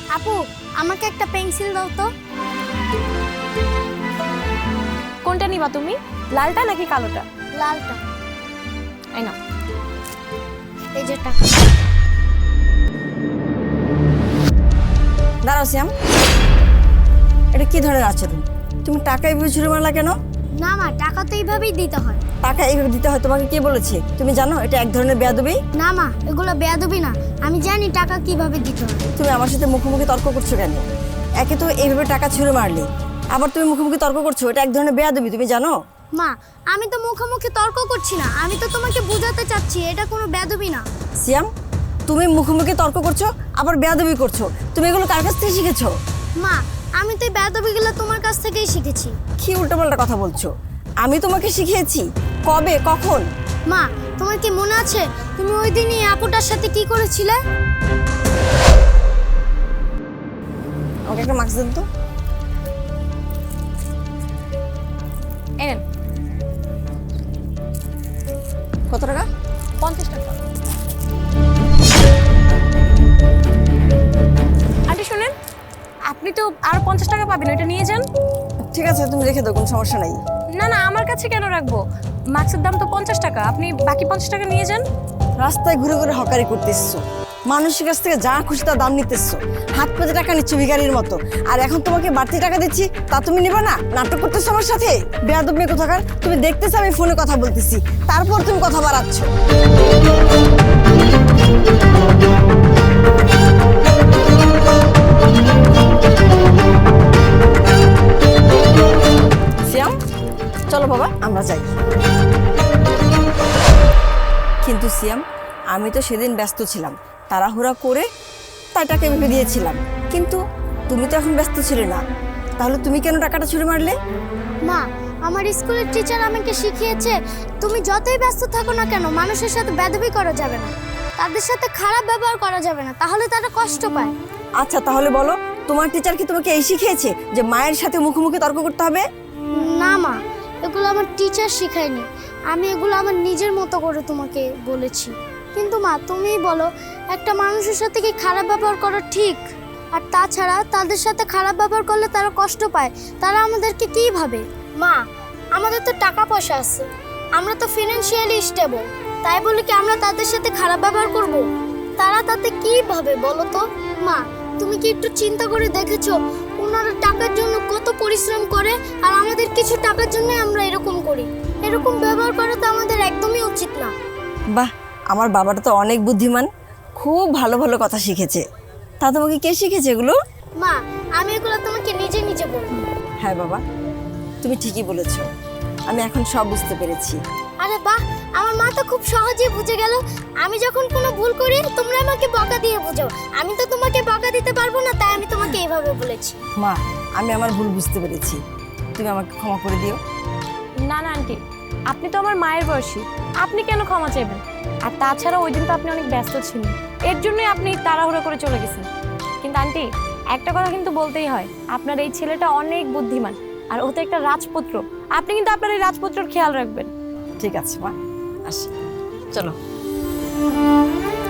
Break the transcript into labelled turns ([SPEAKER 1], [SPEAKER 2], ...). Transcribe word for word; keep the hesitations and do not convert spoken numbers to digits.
[SPEAKER 1] আপু, আমাকে একটা পেন্সিল দাও তো।
[SPEAKER 2] কোনটা নিবা তুমি, লালটা নাকি কালোটা?
[SPEAKER 1] লালটা।
[SPEAKER 2] এই নাও।
[SPEAKER 1] এই যে টাকা।
[SPEAKER 3] দাঁড়াও শ্যাম, এটা কি ধরনের আচরণ? তুমি টাকা এইভাবে ছুড়ে মারলা কেন?
[SPEAKER 1] না মা, টাকা তো এইভাবেই দিতে হয়।
[SPEAKER 3] টাকা এইভাবে দিতে হয় তোমাকে কে বলেছে? তুমি জানো এটা এক ধরনের বেয়াদবি।
[SPEAKER 1] না মা, এগুলো বেয়াদবি না। আমি জানি টাকা কিভাবে দিতে হয়।
[SPEAKER 3] তুমি আমার সাথে মুখোমুখি তর্ক করছো কেন? একে তো এইভাবে টাকা ছুঁড়ে মারলে, আবার তুমি মুখোমুখি তর্ক করছো, এটা এক ধরনের বেয়াদবি, তুমি জানো?
[SPEAKER 1] মা, আমি তো মুখোমুখি তর্ক করছি না, আমি তো তোমাকে বোঝাতে চাচ্ছি এটা কোনো বেয়াদবি না।
[SPEAKER 3] শ্যাম, তুমি মুখোমুখি তর্ক করছো আবার বেয়াদবি করছো, তুমি এগুলো কার কাছ থেকে শিখেছো?
[SPEAKER 1] মা, আমি তো এই বেয়াদবিগুলো তোমার কাছ থেকেই শিখেছি।
[SPEAKER 3] কি উল্টোপাল্টা কথা বলছো? আমি তোমাকে শিখিয়েছি? কবে, কখন?
[SPEAKER 1] মা, তোমার কি মনে আছে তুমি ওই দিনই আপুটার সাথে কি করেছিলে?
[SPEAKER 3] আমাকে একটা মাস্ক দেন তো।
[SPEAKER 2] এনেন।
[SPEAKER 3] কত টাকা?
[SPEAKER 2] পঞ্চাশ টাকা। আন্টি শুনেন, আপনি তো আরো পঞ্চাশ টাকা পাবেন, ওইটা নিয়ে যান।
[SPEAKER 3] ঠিক আছে, তুমি রেখে দাও, কোনো সমস্যা নাই।
[SPEAKER 2] না না, আমার কাছে কেন রাখবো? মাস্কের দাম তো পঞ্চাশ টাকা, আপনি বাকি পঞ্চাশ টাকা নিয়ে যান।
[SPEAKER 3] রাস্তায় ঘুরে ঘুরে হকারি করতে এসছো, মানুষের কাছ থেকে যা খুশি তা দাম নিতে এসছো, হাত পেতে টাকা নিচ্ছ ভিখারির মতো, আর এখন তোমাকে বাড়তি টাকা দিচ্ছি তা তুমি নিবা না? নাটক করতেছো আমার সাথে? বেয়াদব মেয়ে কোথাকার! তুমি দেখতেছো আমি ফোনে কথা বলতেছি, তারপর তুমি কথা বাড়াচ্ছ। শ্যাম, চলো বাবা আমরা যাই। কিন্তু শ্যাম, আমি তো সেদিন ব্যস্ত ছিলাম, তাড়াহুড়া করে তাই টাকা ভেবে দিয়েছিলাম, কিন্তু তুমি তো এখন ব্যস্ত ছিলে না, তাহলে তুমি কেন টাকাটা ছুঁড়ে মারলে?
[SPEAKER 1] মা, আমার স্কুলের টিচার আমাকে শিখিয়েছে তুমি যতই ব্যস্ত থাকো না কেন মানুষের সাথে বেয়াদবি করা যাবে না, তাদের সাথে খারাপ ব্যবহার করা যাবে না, তাহলে তারা কষ্ট পায়।
[SPEAKER 3] আচ্ছা তাহলে বলো, তোমার টিচার কি তোমাকে এই শিখিয়েছে যে মায়ের সাথে মুখোমুখি তর্ক করতে হবে?
[SPEAKER 1] না মা, এগুলো আমার টিচার শেখায়নি, আমি এগুলো আমার নিজের মতো করে তোমাকে বলেছি। কিন্তু মা, তুমিই বলো একটা মানুষের সাথে কি খারাপ ব্যবহার করা ঠিক? আর তাছাড়া তাদের সাথে খারাপ ব্যবহার করলে তারা কষ্ট পায়, তারা আমাদেরকে কী ভাবে? মা, আমাদের তো টাকা পয়সা আছে, আমরা তো ফিনান্সিয়ালি স্টেবল, তাই বলে কি আমরা তাদের সাথে খারাপ ব্যবহার করব? তারা তাতে কী ভাবে বলো তো? মা, তুমি কি একটু চিন্তা করে দেখেছো ওনারা টাকার জন্য কত পরিশ্রম করে, আর আমাদের কিছু টাকার জন্য আমরা এরকম করি? এরকম ব্যবহার করা তো আমাদের একদমই উচিত না।
[SPEAKER 3] বাহ, আমার বাবাটা তো অনেক বুদ্ধিমান, খুব ভালো ভালো কথা শিখেছে। তা তোমাকে কে শিখেছে এগুলো?
[SPEAKER 1] মা, আমি এগুলো তোমাকে নিজে নিজে বলবো।
[SPEAKER 3] হ্যাঁ বাবা, তুমি ঠিকই বলেছো, আমি এখন সব বুঝতে পেরেছি।
[SPEAKER 1] আরে বাহ, আমার মা তো খুব সহজেই বুঝে গেল। আমি যখন কোনো ভুল করি তোমরা আমাকে বকা দিয়ে বোঝাও, আমি তো তোমাকে বকা দিতে পারবো না, তাই আমি তোমাকে এইভাবে বলেছি।
[SPEAKER 3] মা, আমি আমার ভুল বুঝতে পেরেছি, তুমি আমাকে ক্ষমা করে দিও।
[SPEAKER 2] না না আন্টি, আপনি তো আমার মায়ের বয়সী, আপনি কেন ক্ষমা চাইবেন? আর তাছাড়া ওই দিন তো আপনি অনেক ব্যস্ত ছিলেন, এর জন্যই আপনি তাড়াহুড়ো করে চলে গেছেন। কিন্তু আন্টি, একটা কথা কিন্তু বলতেই হয়, আপনার এই ছেলেটা অনেক বুদ্ধিমান, আর ও তো একটা রাজপুত্র, আপনি কিন্তু আপনার এই রাজপুত্রর খেয়াল রাখবেন।
[SPEAKER 3] ঠিক আছে মা, আসি, চলো।